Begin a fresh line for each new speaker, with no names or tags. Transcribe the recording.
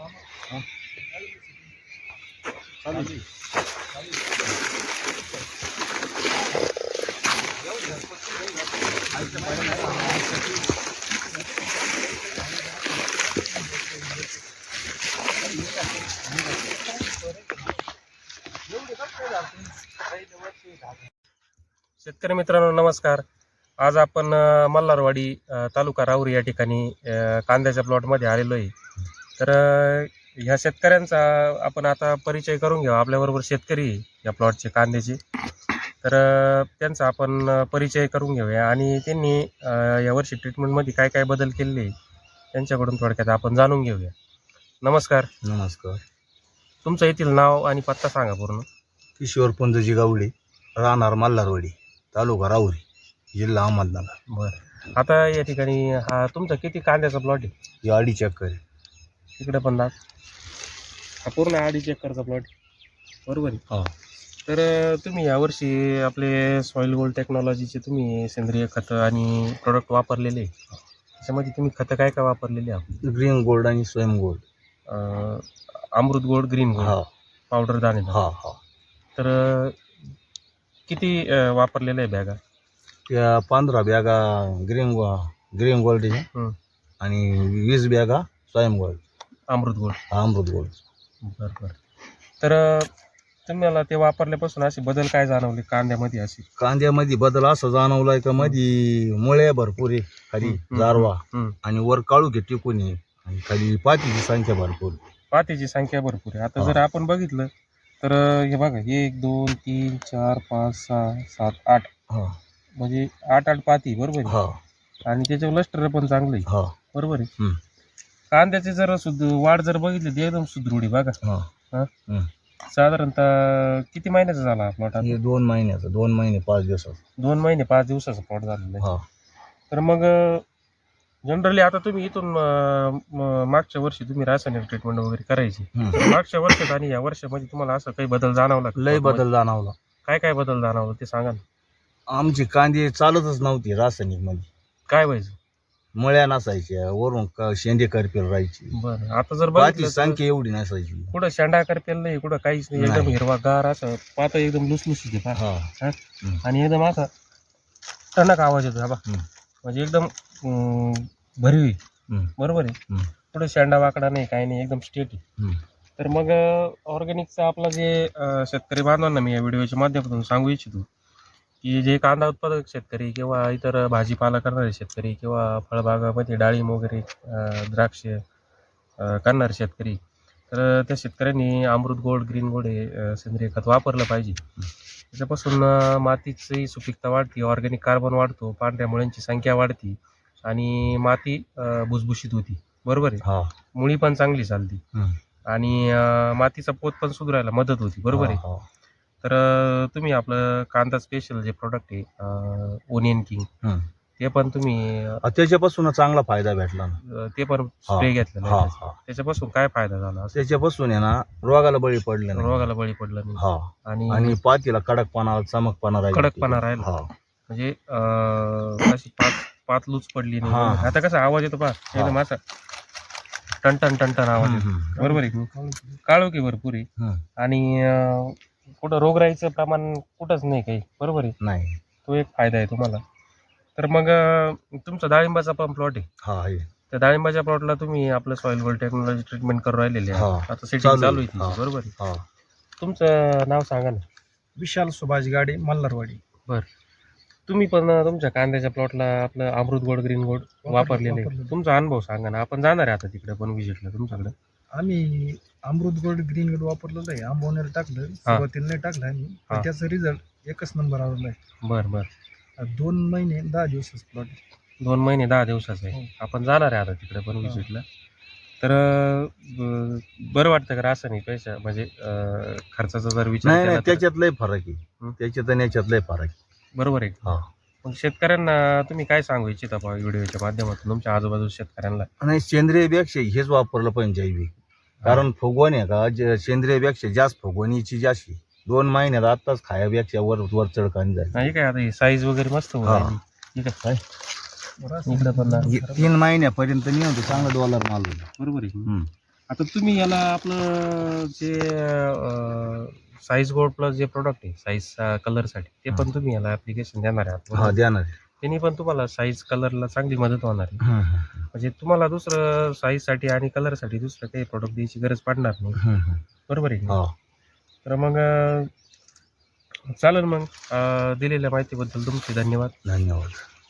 शेतकरी मित्रांनो नमस्कार. आज आपण मल्हारवाडी तालुका राहुरी या ठिकाणी कांद्याच्या प्लॉटमध्ये आलेलो आहे. तर ह्या शेतकऱ्यांचा आपण आता परिचय करून घेऊ. आपल्याबरोबर शेतकरी या प्लॉटचे कांद्याचे, तर त्यांचा आपण परिचय करून घेऊया आणि त्यांनी यावर्षी ट्रीटमेंटमध्ये काय काय बदल केलेले त्यांच्याकडून थोडक्यात आपण जाणून घेऊया. नमस्कार.
नमस्कार.
तुमचं येथील नाव आणि पत्ता सांगा पूर्ण.
किशोर पुंजजी गावडे, राहणार मल्हारवाडी, तालुका राहुरी, जिल्हा अहमदनगर.
बरं, आता या ठिकाणी हा तुमचा किती कांद्याचा प्लॉट आहे?
ही 2.5 एकर आहे.
इकडे पण दाख. हा पूर्ण 2.5 एकरचा प्लॉट बरोबर आहे.
हो.
तर तुम्ही यावर्षी आपले सॉईल गोल्ड टेक्नॉलॉजीचे तुम्ही सेंद्रिय खतं आणि प्रोडक्ट वापरलेले. त्याच्यामध्ये तुम्ही खतं काय काय वापरलेले आहात?
ग्रीन गोल्ड आणि Swayam gold,
Amrut gold, green gold,
हा
पावडर दाणे.
हा हा.
तर किती वापरलेलं आहे बॅगा?
त्या 15 बॅगा ग्रीन गोल्ड आणि 20 बॅगा Swayam gold,
Amrut gold.
Amrut gold.
बरं बरं. तर तुम्हाला ते वापरल्यापासून असे बदल काय जाणवले कांद्यामध्ये? असे
कांद्यामध्ये बदल असा जाणवलाय का मध्ये मुळे भरपूर आहे, खाली गारवा आणि वर काळुखे टिकून आहे आणि खाली पातीची संख्या भरपूर.
पातीची संख्या भरपूर आहे. आता जर आपण बघितलं तर हे बघा, 1 2 3 4 5 6 7 8, म्हणजे 8 पाती बरोबर आहे. आणि त्याच्यावर लष्टर पण चांगलं आहे बरोबर आहे. कांद्याचे जर वाढ जर बघितली तर एकदम सुदृढ आहे बघा. साधारणतः किती महिन्याचा झाला प्लॉट?
2 महिन्याचा, 2 महिने 5 दिवसाचा.
2 महिने 5 दिवसाचा प्लॉट झालेला आहे. तर मग जनरली आता तुम्ही इथून मागच्या वर्षी तुम्ही रासायनिक ट्रीटमेंट वगैरे करायची, मागच्या वर्षात आणि या वर्षामध्ये तुम्हाला असं काही बदल जाणवला?
लय बदल जाणवला.
काय काय बदल जाणवला ते सांगा ना.
आमची कांदे चालतच नव्हती रासायनिक मध्ये.
काय व्हायचं?
मळ्या नसायच्या, वरून शेंडे करपेल राहायची.
बरं, आता जर
पाती संख्या एवढी नसायची.
कुठं शेंडा करपेल नाही, कुठं काहीच नाही, एकदम हिरवागार असं पात एकदम लुसलुसीत आणि एकदम असा टणक आवाज येतो बा, म्हणजे एकदम भरवी बरोबर आहे. कुठं शेंडा वाकडा नाही, काही नाही, एकदम स्टेट आहे. तर मग ऑर्गॅनिकचा आपला जे शेतकरी बांधवांना मी या व्हिडिओच्या माध्यमातून सांगू इच्छितो की जे कांदा उत्पादक शेतकरी किंवा इतर भाजीपाला करणारे शेतकरी किंवा फळबागामध्ये डाळिंब वगैरे द्राक्ष करणारे शेतकरी, तर त्या शेतकऱ्यांनी अमृत गोल्ड, ग्रीन गोल्ड हे सेंद्रिय खत वापरलं पाहिजे. त्याच्यापासून मातीची सुपीकता वाढते, ऑर्गॅनिक कार्बन वाढतो, पांढऱ्या मुळ्यांची संख्या वाढते आणि माती भुसभुशीत होती बरोबर आहे. मुळी पण चांगली चालते आणि मातीचा पोत पण सुधारायला मदत होती बरोबर आहे. तर तुम्ही आपलं कांदा स्पेशल जे प्रोडक्ट आहे ओनियन किंग, ते पण तुम्ही
त्याच्यापासून चांगला फायदा भेटला ना.
ते पण स्प्रे घेतलेला आहे. त्याच्यापासून काय फायदा झाला?
त्याच्यापासून आहे ना, रोगाला बळी पडलं नाही.
रोगाला बळी पडलं नाही
आणि पातीला कडकपणा, चमकपणा
राहिला, म्हणजे अशी पात लूच पडली नाही. आता कसा आवाज येतो पहा, एकदम असा टनटन टनटन आवाज येतो बरोबर आहे. काळोखी भरपूर आहे आणि कुठं रोगराईचं प्रमाण कुठंच नाही काही बरोबर आहे. नाही, तो एक फायदा आहे तुम्हाला. तर मग तुमचा डाळिंबाचा पण प्लॉट आहे. त्या डाळिंबाच्या प्लॉटला तुम्ही आपलं सॉईल गोल्ड टेक्नॉलॉजी ट्रीटमेंट करून राहिलेले आहे. आता सेटिंग चालू आहे बरोबर आहे. तुमचं नाव सांगा ना.
विशाल सुभाष गाडे, मल्हारवाडी.
बरं, तुम्ही पण तुमच्या कांद्याच्या प्लॉटला आपलं अमृत गोल्ड, ग्रीन गोल्ड वापरलेले, तुमचा अनुभव सांगा ना. आपण जाणार आहे आता तिकडे पण विजिटला तुमच्याकडे.
आम्ही अमृत गोल्ड, ग्रीन गोल्ड वापरलेलं आहे. आंबवण्याला टाकलं, सुरुवातीला नाही टाकलं आम्ही, पण त्याचा रिझल्ट एकच नंबर आलेला आहे.
बरं बरं.
2 महिने 10 दिवसाचा प्लॉट.
2 महिने 10 दिवसाचा आहे. आपण जाणार आहे आता तिकडे पण विजिटला. तर बरं वाटतं का रासायनिक पैसा म्हणजे खर्चाचा जर विचार केला?
त्याच्यात लय फरक आहे, त्याच्यात आणि याच्यात लय फरक आहे
बरोबर आहे. मग शेतकऱ्यांना तुम्ही काय सांगू इच्छिता व्हिडिओच्या माध्यमातून तुमच्या आजूबाजूच्या शेतकऱ्यांना?
नाही, सेंद्रियपेक्षा हेच वापरलं पाहिजे जैविक. कारण फुगवण आहे का, सेंद्रियपेक्षा जास्त फुगवणीची जास्त 2 महिन्यात आताच खायापेक्षा वर चढकानी जाईल.
नाही काय, आता साईज वगैरे मस्त होईल. ठीक आहे, इकडे पण
3 महिन्यापर्यंत नाही होते, चांगला डॉलर माल
बरोबर आहे. आता तुम्ही याला आपलं जे साईज गोल्ड प्लस जे प्रोडक्ट आहे साईज कलरसाठी ते पण तुम्ही याला ऍप्लिकेशन देणार आहे
हा
आहात.
देणार
त्यांनी पण तुम्हाला साईज कलरला चांगली मदत होणार आहे.
आहे.
म्हणजे तुम्हाला दुसरं साईजसाठी आणि कलरसाठी दुसरं काही प्रोडक्ट द्यायची गरज पडणार नाही. बरोबर आहे की नाही?
हो
तर मग चालेल मग दिलेल्या माहितीबद्दल तुमचे धन्यवाद.
धन्यवाद.